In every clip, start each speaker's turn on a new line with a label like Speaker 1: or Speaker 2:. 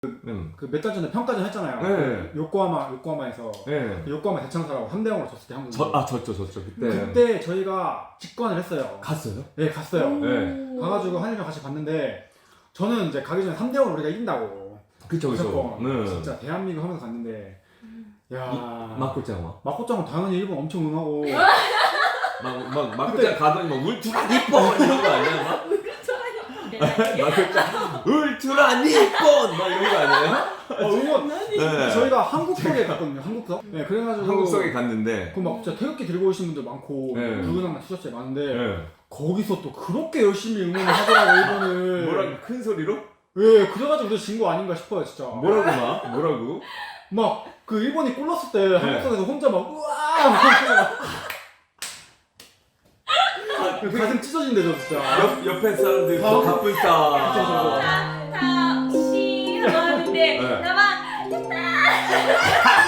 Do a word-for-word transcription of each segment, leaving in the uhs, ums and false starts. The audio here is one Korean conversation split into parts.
Speaker 1: 음.
Speaker 2: 그 몇 달 전에 평가전 했잖아요.
Speaker 1: 네.
Speaker 2: 그 요코하마 요코하마에서
Speaker 1: 네.
Speaker 2: 그 요코하마 대창사라고 삼 대 영으로 졌을 때 한국.
Speaker 1: 저, 아 졌죠 졌죠 그때.
Speaker 2: 그때 저희가 직관을 했어요.
Speaker 1: 갔어요?
Speaker 2: 네 갔어요.
Speaker 1: 네.
Speaker 2: 가가지고 한일이랑 같이 봤는데 저는 이제 가기 전에 삼 대 영으로 우리가 이긴다고.
Speaker 1: 그쵸 그쵸.
Speaker 2: 무조건.
Speaker 1: 네.
Speaker 2: 진짜 대한민국 하면서 갔는데 야
Speaker 1: 막고짱
Speaker 2: 막고짱은 당연히 일본 엄청 응하고.
Speaker 1: 막막 막고짱 가더니 막 울트라 니폰 이런 거 아니야 막? 막고짱 울트라 니폰 막 이런 거 아니에요?
Speaker 2: 어, 응원.
Speaker 1: 네.
Speaker 2: 저희가 한국석에 갔거든요. 한국석. 네 그래가지고
Speaker 1: 한국석에 갔는데.
Speaker 2: 그막 진짜 태극기 들고 오신 분들 많고
Speaker 1: 네.
Speaker 2: 붉은 악마 티셔츠에 많은데
Speaker 1: 네.
Speaker 2: 거기서 또 그렇게 열심히 응원을 하더라고 일본을.
Speaker 1: 뭐라고 큰 소리로?
Speaker 2: 예, 그래가지고 우리가 진 거 아닌가 싶어요 진짜.
Speaker 1: 뭐라고 막? 뭐라고?
Speaker 2: 막 그 일본이 골 넣었을 때 한국석에서 혼자 막 우와 막 그 가슴 찢어진대죠 진짜.
Speaker 1: 옆 옆에 사람들
Speaker 2: 아.
Speaker 1: 가쁜 싸.
Speaker 2: 그쵸, 그쵸.
Speaker 3: 다 시 하는데
Speaker 1: 네.
Speaker 3: 나만 됐다.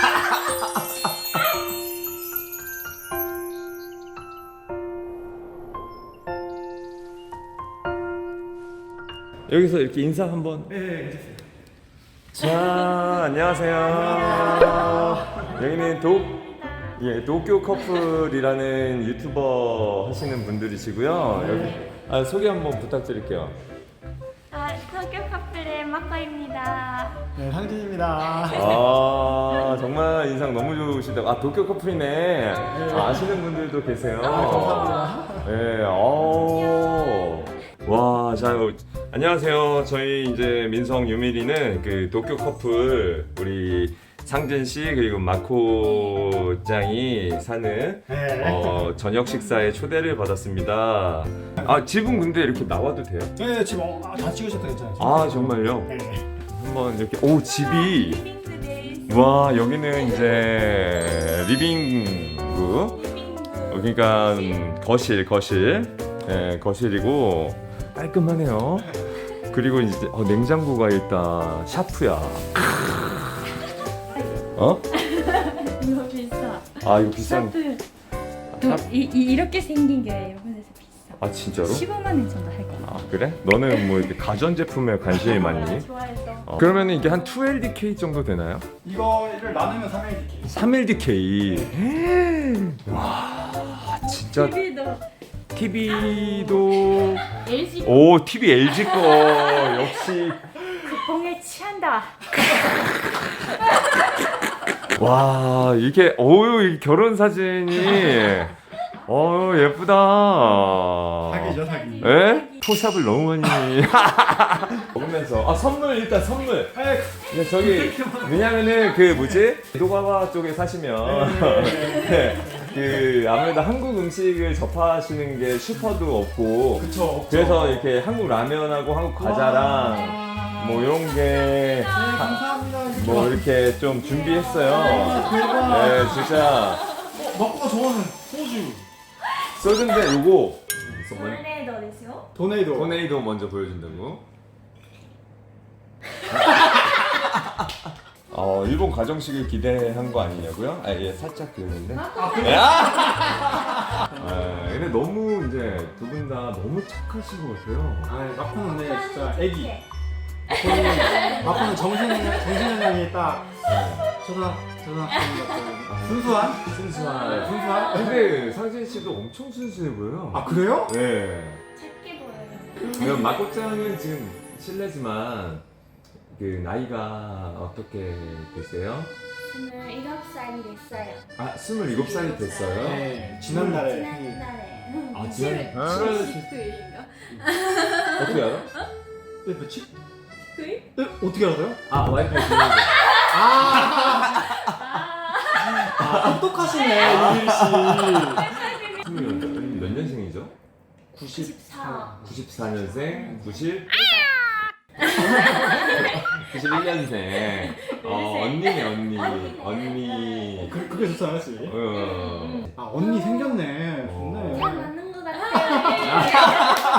Speaker 1: 여기서 이렇게 인사 한번.
Speaker 2: 예, 예, 괜찮습니다.
Speaker 1: 자, 안녕하세요. 여기는 도, 예, 도쿄 커플이라는 유튜버 하시는 분들이시고요. 여기 아, 소개 한번 부탁드릴게요.
Speaker 3: 아, 도쿄 커플의 마코입니다.
Speaker 2: 네, 상진입니다.
Speaker 1: 아, 정말 인상 너무 좋으시다. 아, 도쿄 커플이네. 아, 아시는 분들도 계세요.
Speaker 2: 감사합니다.
Speaker 1: 네, 어. 와, 자, 어, 안녕하세요. 저희 이제 민성 유미리는 그 도쿄 커플 우리 상진 씨 그리고 마코 짱이 사는
Speaker 2: 네.
Speaker 1: 어, 저녁 식사에 초대를 받았습니다. 아, 집은 근데 이렇게 나와도 돼요?
Speaker 2: 네, 지금 어, 아, 다 찍으셨다 괜찮아요.
Speaker 1: 아, 정말요?
Speaker 2: 네.
Speaker 1: 한번 이렇게 오, 집이
Speaker 3: 리빙크 데이스.
Speaker 1: 와, 여기는 이제 리빙구
Speaker 3: 리빙크.
Speaker 1: 어, 그러니까 음, 거실, 거실, 예, 거실이고 깔끔하네요. 그리고 이제 어, 냉장고가 일단 샤프야. 어?
Speaker 3: 이거 비싸.
Speaker 1: 아 이거 비싼.
Speaker 3: 샤프.
Speaker 1: 샵?
Speaker 3: 이, 이 이렇게 생긴 게 일본에서 비싸.
Speaker 1: 아 진짜로?
Speaker 3: 십오만 원 정도 할 거야.
Speaker 1: 아 그래? 너는 뭐 이렇게 가전 제품에 관심이 많니?
Speaker 3: 좋아해서.
Speaker 1: 어. 그러면 이게 한 투 엘디케이 정도 되나요?
Speaker 2: 이거를 나누면 삼 엘디케이.
Speaker 1: 삼 엘디케이. 와 진짜
Speaker 3: 티비도
Speaker 1: 티비도
Speaker 3: 엘지
Speaker 1: 오 티비 엘지 거 역시.
Speaker 3: 쿠폰에 취한다.
Speaker 1: 와 이게 어유 이 결혼 사진이 어 예쁘다.
Speaker 2: 사기죠 사기.
Speaker 1: 에? 포샵을 너무 많이 먹으면서 아 선물 일단 선물.
Speaker 2: 아,
Speaker 1: 근데 저기 왜냐면은 그 뭐지 도가와 쪽에 사시면 네, 그 아무래도 한국 음식을 접하시는 게 슈퍼도 없고
Speaker 2: 그쵸. 없죠.
Speaker 1: 그래서 이렇게 한국 라면하고 한국 과자랑 뭐 이런 게
Speaker 2: 네, 감사합니다.
Speaker 1: 뭐 이렇게 좀 준비했어요.
Speaker 2: 대박.
Speaker 1: 네, 진짜
Speaker 2: 어, 마코가 좋아하는 소주.
Speaker 1: 소주인데 요거
Speaker 3: 토네이도ですよ.
Speaker 2: 도네이도.
Speaker 1: 토네이도 먼저 보여준다고. 어 일본 가정식을 기대한 거 아니냐고요? 아 예 살짝 그랬는데.
Speaker 2: 아, 그래?
Speaker 1: 아 근데 너무 이제 두 분 다 너무 착하신 것 같아요.
Speaker 2: 아, 마코는 근데 진짜 애기. 마코는, 마코는 정신 정신연령이 딱 초등 초등학생 같은 순수한?
Speaker 1: 순수한.
Speaker 2: 순수한?
Speaker 1: 근데 상진 씨도 엄청 순수해 보여요.
Speaker 2: 아 그래요?
Speaker 1: 네.
Speaker 3: 작게 보여요.
Speaker 1: 그럼 마코짱은 지금 실례지만 그 나이가 어떻게 되세요?
Speaker 3: 스물일곱 살이 됐어요.
Speaker 1: 아 스물일곱 살이 됐어요?
Speaker 2: 네. 지난달에.
Speaker 3: 지난달에.
Speaker 1: 아 지난 칠월 어떻게 알아?
Speaker 2: 네, 며칠?
Speaker 3: 구일?
Speaker 2: 네, 어떻게 알아요?
Speaker 1: 아 와이파이 주는 거.
Speaker 2: 아,
Speaker 3: 아.
Speaker 2: 아 똑똑하시네 유일 씨.
Speaker 1: 스물 몇 년생이죠?
Speaker 3: 구십사.
Speaker 1: 구십사 년생, 구십 구십일 년생. 어 언니네 언니. 언니.
Speaker 2: 그, 그게 좋잖아, 씨.
Speaker 1: 어.
Speaker 2: 아 언니 생겼네.
Speaker 1: 어.
Speaker 3: 잘
Speaker 2: 좋네.
Speaker 3: 맞는 것 같아요.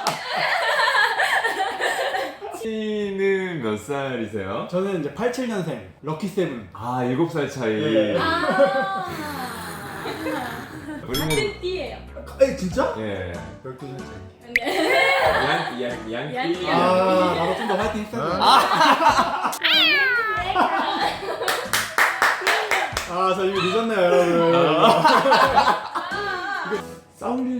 Speaker 1: 씨는 몇 살이세요?
Speaker 2: 저는 이제 팔십칠 년생 럭키 세븐.
Speaker 1: 아 일곱 살 차이.
Speaker 2: 네.
Speaker 3: 아.
Speaker 1: 우리는
Speaker 3: 같은 띠예요.
Speaker 2: 에 진짜?
Speaker 1: 예.
Speaker 2: 열두 살 차이.
Speaker 3: 네.
Speaker 1: 양, 양, 양띠.
Speaker 3: 양띠.
Speaker 2: 아 나도 좀 더 화이팅 했어야 돼.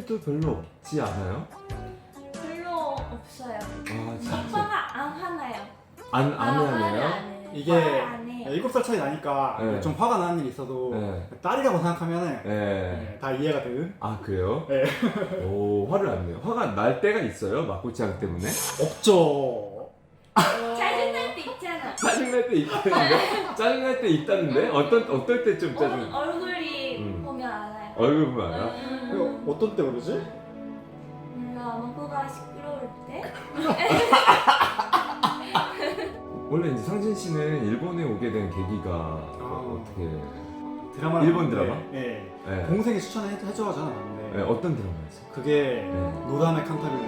Speaker 1: 후회도 별로 없지 않아요?
Speaker 3: 별로 없어요.
Speaker 1: 아 진짜
Speaker 3: 오빠가 안 하나요?
Speaker 1: 안,
Speaker 3: 아,
Speaker 1: 안
Speaker 3: 화를
Speaker 1: 하네요?
Speaker 3: 안 해요.
Speaker 2: 이게
Speaker 3: 화를 안 해요.
Speaker 2: 일곱 살 차이 나니까
Speaker 1: 네.
Speaker 2: 좀 화가 나는 일이 있어도
Speaker 1: 네.
Speaker 2: 딸이라고 생각하면
Speaker 1: 네.
Speaker 2: 네, 다 이해가 되는.
Speaker 1: 아 그래요?
Speaker 2: 네.
Speaker 1: 오 화를 안 내요. 화가 날 때가 있어요? 마코짱 때문에?
Speaker 2: 없죠.
Speaker 3: 짜증날 때 있잖아.
Speaker 1: 짜증날 때 있다는데? 짜증날 때 있다는데? 어떤, 어떨 때 좀 짜증
Speaker 3: 어, 얼굴이
Speaker 1: 음.
Speaker 3: 보면 알아요.
Speaker 1: 얼굴 보면 알아?
Speaker 3: 음,
Speaker 2: 이거 어떤 때 그러지?
Speaker 3: 뭔가 먹고가 시끄러울 때?
Speaker 1: 원래 이제 상진 씨는 일본에 오게 된 계기가 어떻게
Speaker 2: 드라마.
Speaker 1: 일본 드라마?
Speaker 2: 네. 네.
Speaker 1: 네.
Speaker 2: 동생이 추천해 해줘가지고 봤는데
Speaker 1: 네, 어떤 드라마였어요?
Speaker 2: 그게
Speaker 1: 네.
Speaker 2: 노담의 칸타빌레.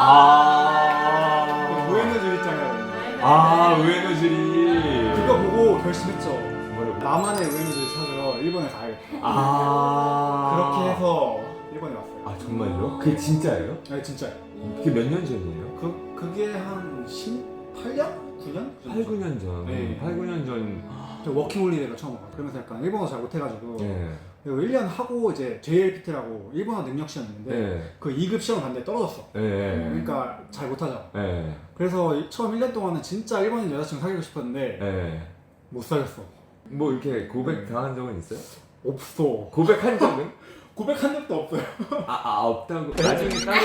Speaker 1: 아,
Speaker 2: 우에노즈 있잖아요.
Speaker 1: 아, 우에노즈리.
Speaker 2: 그거 보고 결심했죠.
Speaker 1: 뭐라고?
Speaker 2: 나만의 우에노즈를 찾으러 일본에 가야겠다.
Speaker 1: 아,
Speaker 2: 그렇게 해서 일본에 왔어요.
Speaker 1: 아, 정말요? 그게 진짜예요?
Speaker 2: 네, 진짜.
Speaker 1: 그게 몇 년 전이에요?
Speaker 2: 그 그게 한 십팔 년? 구 년?
Speaker 1: 팔, 구 년 전.
Speaker 2: 네.
Speaker 1: 팔, 구 년 전.
Speaker 2: 저 워킹홀리데이가 처음 와요. 그러면서 약간 일본어 잘 못해가지고
Speaker 1: 네.
Speaker 2: 그리고 일 년 하고 이제 제이엘피티라고 일본어 능력 시험인데
Speaker 1: 네.
Speaker 2: 그 이 급 시험 봤는데 떨어졌어.
Speaker 1: 네.
Speaker 2: 그러니까 잘 못하잖아.
Speaker 1: 네.
Speaker 2: 그래서 이- 처음 일 년 동안은 진짜 일본인 여자친구 사귀고 싶었는데
Speaker 1: 네.
Speaker 2: 못 사귀었어.
Speaker 1: 뭐 이렇게 고백 당한 적은 있어요?
Speaker 2: 없어.
Speaker 1: 고백한 적은?
Speaker 2: 고백한 적도 없어요.
Speaker 1: 아, 아 없다고. 나중에 따로.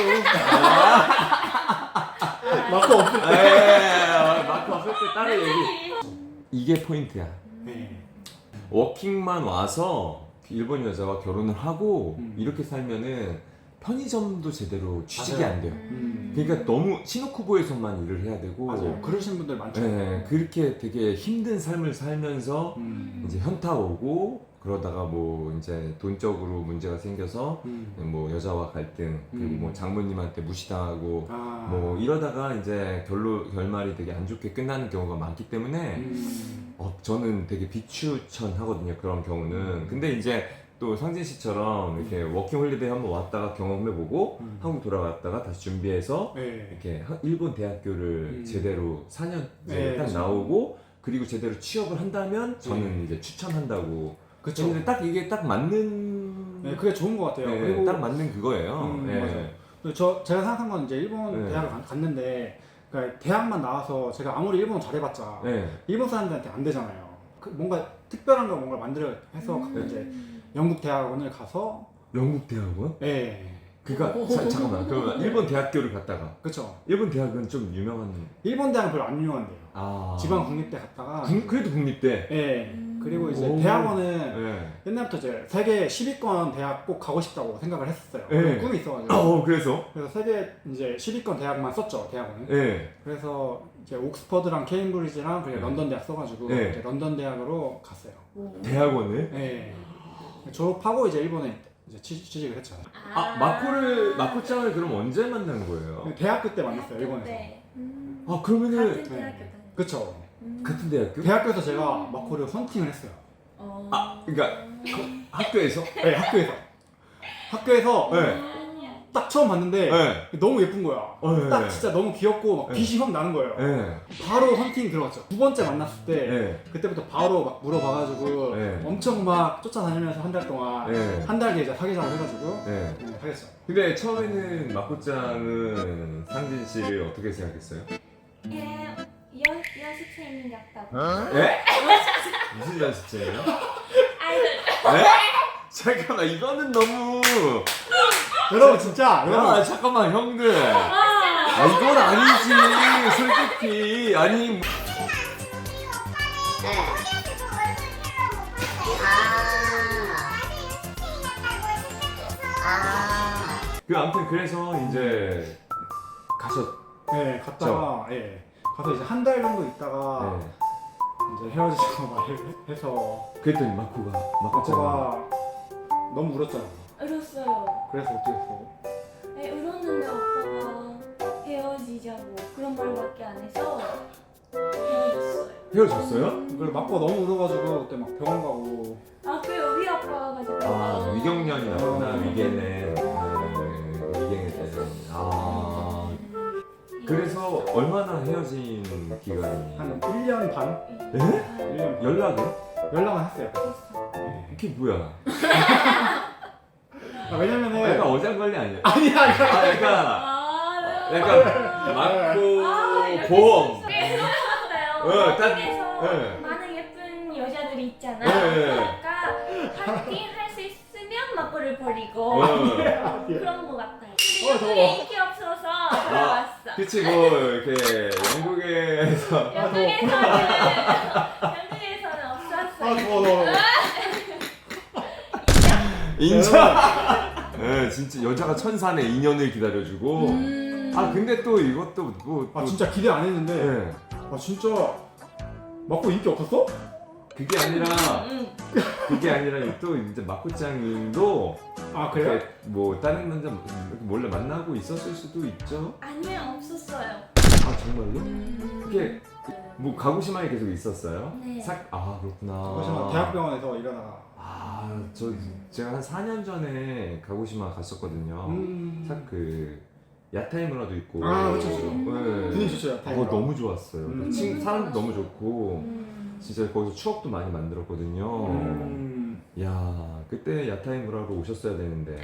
Speaker 2: 맞고 없을 때.
Speaker 1: 에 마크 없을 때 따로 얘기. 이게 포인트야.
Speaker 2: 네.
Speaker 1: 워킹만 와서 일본 여자와 결혼을 하고
Speaker 2: 음.
Speaker 1: 이렇게 살면은 편의점도 제대로 취직이
Speaker 2: 맞아요.
Speaker 1: 안 돼요.
Speaker 2: 음.
Speaker 1: 그러니까 너무 시노쿠보에서만 일을 해야 되고.
Speaker 2: 맞아요. 그러신 분들 많죠.
Speaker 1: 네, 그렇게 되게 힘든 삶을 살면서
Speaker 2: 음.
Speaker 1: 이제 현타 오고 그러다가 뭐 이제 돈적으로 문제가 생겨서
Speaker 2: 음.
Speaker 1: 뭐 여자와 갈등 그리고
Speaker 2: 음.
Speaker 1: 뭐 장모님한테 무시당하고
Speaker 2: 아.
Speaker 1: 뭐 이러다가 이제 결로 결말이 되게 안 좋게 끝나는 경우가 많기 때문에
Speaker 2: 음.
Speaker 1: 어, 저는 되게 비추천하거든요 그런 경우는. 근데 이제 또 상진 씨처럼 이렇게 워킹홀리데이 한번 왔다가 경험해보고
Speaker 2: 음.
Speaker 1: 한국 돌아갔다가 다시 준비해서
Speaker 2: 네.
Speaker 1: 이렇게 하- 일본 대학교를
Speaker 2: 음.
Speaker 1: 제대로 사 년
Speaker 2: 네,
Speaker 1: 딱
Speaker 2: 그렇죠.
Speaker 1: 나오고 그리고 제대로 취업을 한다면 저는 이제 추천한다고.
Speaker 2: 그쵸.
Speaker 1: 근데 딱 이게 딱 맞는
Speaker 2: 네, 그게 좋은 것 같아요.
Speaker 1: 네,
Speaker 2: 그리고
Speaker 1: 딱 맞는 그거예요.
Speaker 2: 음,
Speaker 1: 네.
Speaker 2: 맞아요. 저 제가 생각한 건 이제 일본
Speaker 1: 네.
Speaker 2: 대학을 가- 갔는데 그러니까 대학만 나와서 제가 아무리 일본어 잘해봤자
Speaker 1: 네.
Speaker 2: 일본 사람들한테 안 되잖아요. 그 뭔가 특별한 거 뭔가 만들어 해서
Speaker 3: 음.
Speaker 2: 이제 영국 대학원을 가서
Speaker 1: 영국 대학원?
Speaker 2: 예,
Speaker 1: 그니까 자, 잠깐만 그러면 일본 대학교를 갔다가
Speaker 2: 그쵸.
Speaker 1: 일본 대학은 좀 유명한
Speaker 2: 일본 대학은 별로 안 유명한데요.
Speaker 1: 아
Speaker 2: 지방 국립대 갔다가
Speaker 1: 국- 그래도 국립대.
Speaker 2: 예, 그리고 이제
Speaker 1: 오.
Speaker 2: 대학원은
Speaker 1: 네.
Speaker 2: 옛날부터 이제 세계 십 위권 대학 꼭 가고 싶다고 생각을 했었어요.
Speaker 1: 네.
Speaker 2: 그런 꿈이 있어가지고.
Speaker 1: 어 그래서?
Speaker 2: 그래서 세계 이제 십 위권 대학만 썼죠, 대학원은.
Speaker 1: 네.
Speaker 2: 그래서 이제 옥스퍼드랑 케임브리지랑 그리고
Speaker 1: 네.
Speaker 2: 런던 대학 써가지고
Speaker 1: 네.
Speaker 2: 이제 런던 대학으로 갔어요.
Speaker 1: 대학원을?
Speaker 2: 예. 졸업하고 이제 일본에 이제 취- 취직을 했죠.
Speaker 1: 아 마코를 마코짱을 그럼 언제 만난 거예요?
Speaker 2: 대학교 때 만났어요, 일본에서.
Speaker 3: 네. 음.
Speaker 1: 아 그러면은
Speaker 3: 같은 대학교 다니.
Speaker 2: 그쵸.
Speaker 3: 음.
Speaker 1: 같은 대학교?
Speaker 2: 대학교에서 제가 마코를 헌팅을 했어요.
Speaker 3: 어.
Speaker 1: 아 그러니까 학교에서?
Speaker 2: 네, 학교에서. 학교에서
Speaker 1: 네.
Speaker 2: 딱 처음 봤는데
Speaker 1: 네.
Speaker 2: 너무 예쁜 거야.
Speaker 1: 어, 네.
Speaker 2: 딱 진짜 너무 귀엽고 막
Speaker 1: 네.
Speaker 2: 빛이 확 나는 거예요.
Speaker 1: 네.
Speaker 2: 바로 헌팅 들어갔죠. 두 번째 만났을 때
Speaker 1: 네.
Speaker 2: 그때부터 바로 막 물어봐가지고
Speaker 1: 네.
Speaker 2: 엄청 막 쫓아다니면서 한 달 동안
Speaker 1: 네.
Speaker 2: 한 달 뒤에 이제 사귀자고 해가지고
Speaker 1: 네.
Speaker 2: 네, 사귀었죠.
Speaker 1: 근데 처음에는 마코짱은 상진 씨를 어떻게 생각했어요?
Speaker 3: 예, 여 연습생이 같다고.
Speaker 1: 예? 무슨 연습생이에요?
Speaker 3: 아이돌.
Speaker 1: 네? 잠깐만 이거는 너무
Speaker 2: 여러분 진짜
Speaker 1: 야
Speaker 2: 여러분
Speaker 1: 잠깐만 형들 아 이건 아니지 솔직히 아니 뭐- 그 아무튼 그래서 이제 가셨
Speaker 2: 네 갔다가 예 가서 이제 한 달 정도 있다가
Speaker 1: 네.
Speaker 2: 이제 헤어지자고 말해서
Speaker 1: 그랬더니 마코가 마코짱
Speaker 2: 마코가 너무 울었잖아.
Speaker 3: 울었어요.
Speaker 2: 그래서 어떻게 했어?
Speaker 3: 네, 울었는데 오빠가 헤어지자고 그런 말밖에 안 해서 헤어졌어요.
Speaker 1: 헤어졌어요?
Speaker 2: 그리고 마코가 너무 울어가지고 그때 막 병원 가고
Speaker 3: 아, 그 우리 아빠가 가지고.
Speaker 1: 아 위경련이 났구나
Speaker 2: 어.
Speaker 1: 위계는 네, 위경에 대한 아 그래서 얼마나 헤어진 기간이
Speaker 2: 한 일 년 반?
Speaker 1: 에?
Speaker 2: 일 년 반.
Speaker 1: 연락은?
Speaker 2: 연락은 했어요. 네.
Speaker 1: 이게 뭐야?
Speaker 2: 아, 왜냐면은
Speaker 1: 약간 어장관리 아니야?
Speaker 2: 아니야 아니야.
Speaker 1: 아 약간
Speaker 3: 아,
Speaker 1: 약간 막고
Speaker 3: 아, 이렇게
Speaker 1: 보험.
Speaker 3: 그래서
Speaker 1: 어,
Speaker 3: 어,
Speaker 1: 딱-
Speaker 3: 한국에서
Speaker 1: 네.
Speaker 3: 많은 예쁜 여자들이 있잖아.
Speaker 1: 네, 네.
Speaker 3: 그러니까 파이팅 할 수 있으면 막고를 버리고
Speaker 1: 어.
Speaker 3: 그런 거 같아요.
Speaker 2: 어, 더워.
Speaker 3: 근데 인기 없어서 들어왔어.
Speaker 1: 그치 뭐 이렇게 영국에서
Speaker 2: 아, 더워.
Speaker 3: 영국에서는 영국에서는
Speaker 2: 아
Speaker 3: 없었어요.
Speaker 2: 더워 더워.
Speaker 1: 인정. 네, 진짜 여자가 천사네 이 년을 기다려주고.
Speaker 3: 음.
Speaker 1: 아 근데 또 이것도 뭐.
Speaker 2: 아
Speaker 1: 또-
Speaker 2: 진짜 기대 안 했는데.
Speaker 1: 네.
Speaker 2: 아 진짜 막고 인기 없었어?
Speaker 1: 그게 아니라
Speaker 3: 음.
Speaker 1: 그게 아니라 또 이제 마코짱님도
Speaker 2: 아 그래요?
Speaker 1: 이렇게 뭐 다른 남자 이렇게 몰래 만나고 있었을 수도 있죠.
Speaker 3: 아니요, 없었어요.
Speaker 1: 아 정말요? 그게 뭐 가고시마에 계속 있었어요?
Speaker 3: 네.
Speaker 1: 사... 아 그렇구나.
Speaker 2: 가고시마 대학병원에서 일하다가.
Speaker 1: 아, 저 제가 한 사 년 전에 가고시마 갔었거든요.
Speaker 2: 음.
Speaker 1: 싹 그 야타이 문화도 있고.
Speaker 2: 아, 그쵸, 그쵸.
Speaker 1: 네.
Speaker 2: 분위기 좋죠.
Speaker 1: 어, 너무 좋았어요.
Speaker 2: 음.
Speaker 1: 친 사람도 너무 좋고
Speaker 3: 음.
Speaker 1: 진짜 거기서 추억도 많이 만들었거든요.
Speaker 2: 음.
Speaker 1: 야, 그때 야타이 문화로 오셨어야 되는데.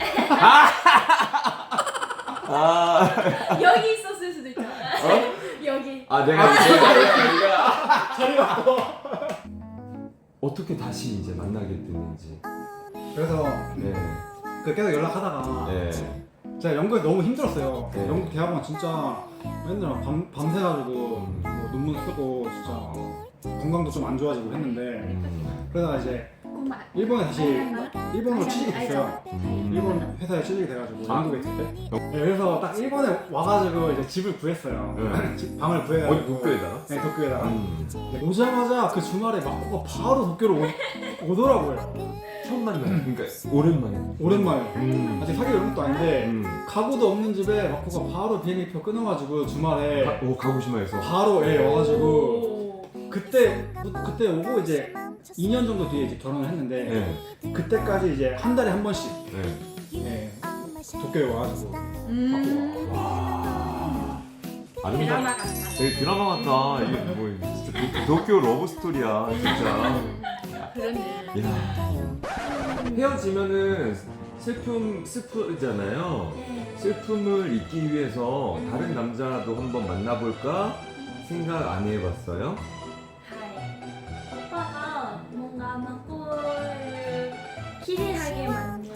Speaker 1: 아,
Speaker 3: 여기 있었을 수도 있잖아.
Speaker 1: 어?
Speaker 3: 여기.
Speaker 1: 아 내가 내가 내가
Speaker 2: 자리 바꿔.
Speaker 1: 어떻게 다시 이제 만나게 됐는지.
Speaker 2: 그래서
Speaker 1: 네,
Speaker 2: 그 계속 연락하다가
Speaker 1: 네.
Speaker 2: 제가 연극이 너무 힘들었어요.
Speaker 1: 네.
Speaker 2: 연극 대학원 진짜 맨날 밤, 밤새가지고
Speaker 1: 음.
Speaker 2: 뭐 논문 쓰고 진짜 건강도 좀 안 좋아지고 했는데
Speaker 1: 음.
Speaker 2: 그러다가 이제 일본에 다시 일본으로 취직이 됐어요. 일본 회사에 취직이 돼가지고
Speaker 1: 아.
Speaker 2: 한국에 있을 때. 네, 그래서 딱 일본에 와가지고 이제 집을 구했어요.
Speaker 1: 네.
Speaker 2: 집- 방을
Speaker 1: 어디
Speaker 2: 구해가지고.
Speaker 1: 도쿄에다가?
Speaker 2: 네, 도쿄에다가.
Speaker 1: 음.
Speaker 2: 네, 오자마자 그 주말에 마코가 바로 도쿄로 오, 오더라고요.
Speaker 1: 처음 만나. 그러니까 오랜만에.
Speaker 2: 오랜만에.
Speaker 1: 음.
Speaker 2: 아직 사귈 이런 것도 아닌데
Speaker 1: 음.
Speaker 2: 가구도 없는 집에 마코가 바로 비행기표 끊어가지고 주말에
Speaker 1: 가, 오 가고시마에서.
Speaker 2: 바로 예 와가지고
Speaker 3: 오.
Speaker 2: 그때 그때 오고 이제 이 년 정도 뒤에 이제 결혼을 했는데
Speaker 1: 네.
Speaker 2: 그때까지 이제 한 달에 한 번씩
Speaker 1: 네.
Speaker 2: 예, 도쿄에 와가지고
Speaker 3: 음.
Speaker 1: 와. 아름다.
Speaker 3: 드라마 같다.
Speaker 1: 되게 드라마 같다. 이게 뭐 진짜 도, 도쿄 러브 스토리야 진짜.
Speaker 3: 그러네.
Speaker 1: 야. 헤어지면은 슬픔 슬프잖아요.
Speaker 3: 네.
Speaker 1: 슬픔을 잊기 위해서 다른 남자도 한번 만나볼까 생각 안 해봤어요?
Speaker 3: 하이. 오빠가 뭔가 막고를 기대하게 만드는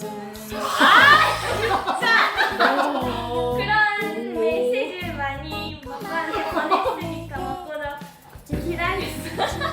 Speaker 3: 아 진짜 그런 메시지를 많이 막고한테 보냈으니까 막고도 기다렸어.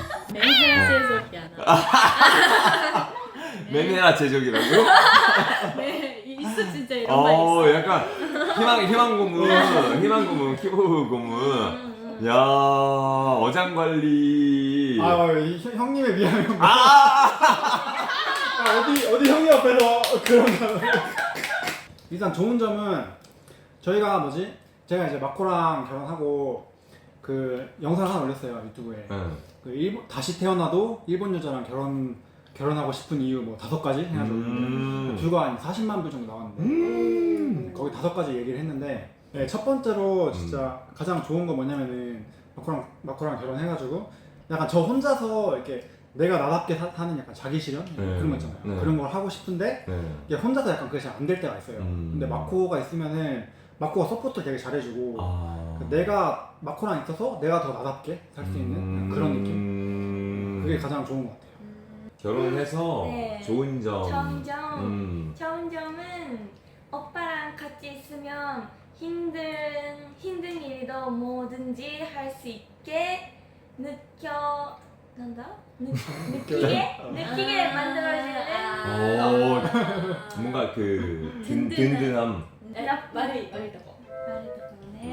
Speaker 1: 매매라 제적이라고?
Speaker 3: 네 있어 진짜 이런 말
Speaker 1: 어
Speaker 3: 있어.
Speaker 1: 약간 희망 희망 고문 희망 고문 키보 고문.
Speaker 3: 음, 음.
Speaker 1: 야 어장 관리.
Speaker 2: 아 이, 형- 형님에 비하면 뭐-
Speaker 1: 아!
Speaker 2: 아, 어디 어디 형님 앞에서 그런 거 일단 좋은 점은 저희가 뭐지 제가 이제 마코랑 결혼하고 그 영상을 하나 올렸어요 유튜브에.
Speaker 1: 응.
Speaker 2: 그 일본 다시 태어나도 일본 여자랑 결혼 결혼하고 싶은 이유 뭐 다섯 가지 해가지고
Speaker 1: 음.
Speaker 2: 뷰가 한 사십만 뷰 정도 나왔는데
Speaker 1: 음.
Speaker 2: 거기 다섯 가지 얘기를 했는데 네, 첫 번째로 진짜 가장 좋은 거 뭐냐면은 마코랑 마코랑 결혼해가지고 약간 저 혼자서 이렇게 내가 나답게 사, 사는 약간 자기 실현
Speaker 1: 네.
Speaker 2: 그런 거 있잖아요.
Speaker 1: 네.
Speaker 2: 그런 걸 하고 싶은데
Speaker 1: 네.
Speaker 2: 이게 혼자서 약간 그게 잘 안 될 때가 있어요.
Speaker 1: 음.
Speaker 2: 근데 마코가 있으면은 마코가 서포트 되게 잘해주고
Speaker 1: 아.
Speaker 2: 내가 마코랑 있어서 내가 더 나답게 살 수 있는
Speaker 1: 음.
Speaker 2: 그런 느낌. 그게 가장 좋은 것 같아요.
Speaker 1: 결혼해서
Speaker 3: 네.
Speaker 1: 좋은 점.
Speaker 3: 점점
Speaker 1: 음.
Speaker 3: 좋은 점은 오빠랑 같이 있으면 힘든 힘든 일도 뭐든지 할 수 있게 느껴 난다 느, 느끼게 느끼게 만들어주는
Speaker 1: 오, 뭔가 그 든, 든든함.
Speaker 3: 나 말이 말이 듣고 말이 듣고네.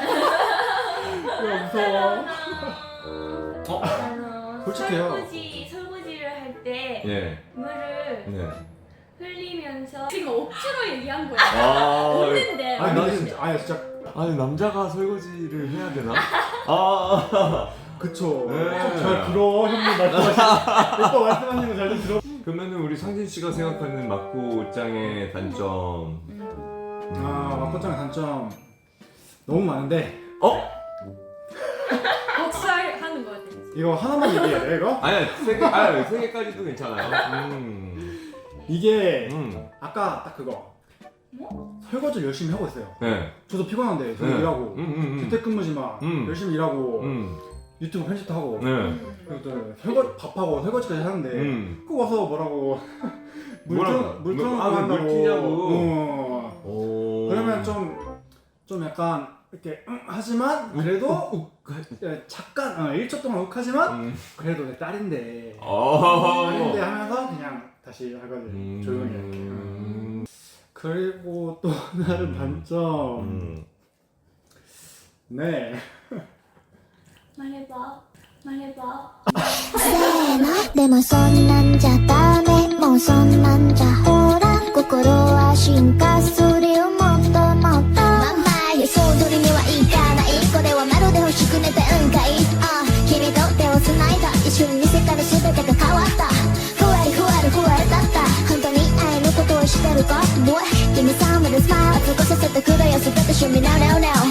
Speaker 2: 야 무서워.
Speaker 1: 어?
Speaker 3: 아,
Speaker 2: 솔직해요.
Speaker 3: 설거지 설거지를 할 때
Speaker 1: 예.
Speaker 3: 물을
Speaker 1: 네.
Speaker 3: 흘리면서
Speaker 4: 지금 억지로 얘기한 거야.
Speaker 1: 아,
Speaker 4: 없는데.
Speaker 2: 아니
Speaker 1: 아니,
Speaker 2: 근데
Speaker 1: 나는-
Speaker 2: 진짜 아니 진짜
Speaker 1: 아니 남자가 설거지를 해야 되나? 아.
Speaker 2: 그쵸.
Speaker 1: 네.
Speaker 2: 좀 잘 들어 형님 말씀하신 오빠 말씀하시는 거 잘 좀 들어.
Speaker 1: 그러면은 우리 상진 씨가 생각하는 막고장의 단점.
Speaker 2: 아 마코짱의 단점 너무 많은데
Speaker 1: 어?
Speaker 4: 복수하는 거 같아.
Speaker 2: 이거 하나만 얘기해야 돼 이거?
Speaker 1: 아니 세 개, 아니 세 개까지도 괜찮아요. 음.
Speaker 2: 이게
Speaker 1: 음.
Speaker 2: 아까 딱 그거
Speaker 3: 뭐?
Speaker 2: 설거지를 열심히 하고 있어요.
Speaker 1: 네.
Speaker 2: 저도 피곤한데 저도
Speaker 1: 네.
Speaker 2: 일하고
Speaker 1: 음, 음, 음.
Speaker 2: 재택근무지만
Speaker 1: 음.
Speaker 2: 열심히 일하고
Speaker 1: 음.
Speaker 2: 유튜브 편집도 하고
Speaker 1: 네.
Speaker 2: 그리고 또 설거 밥하고 설거지까지 하는데
Speaker 1: 음.
Speaker 2: 꼭 와서 뭐라고 물
Speaker 1: 뭐라고?
Speaker 2: 틀어 물
Speaker 1: 물-
Speaker 2: 틀어놓고
Speaker 1: 아, 물
Speaker 2: 한다고.
Speaker 1: 튀냐고.
Speaker 2: 어.
Speaker 1: 오.
Speaker 2: 그러면 좀 좀 약간 이렇게 응, 하지만 그래도 예, 잠깐 어, 일 초 동안 욱하지만
Speaker 1: 음.
Speaker 2: 그래도 내 딸인데
Speaker 1: 어.
Speaker 2: 딸인데 하면서 그냥 다시 하거든
Speaker 1: 음.
Speaker 2: 조용히 이렇게. 음. 그리고 또 다른 단점
Speaker 1: 음.
Speaker 2: 네
Speaker 3: 말해봐. 말해봐.
Speaker 4: でもそんなんじゃダメもうそんなんじゃほら心は進化するよもっともっとまんま予想通りにはいかないこれはまるで欲しく寝てうんかいあ君と手を繋いだ一瞬に世界の全てが変わったふわりふわりふわりだった本当に愛のことをしてるか Boy Give me some of the smile 過ごさせてくれよ全て Show me now now now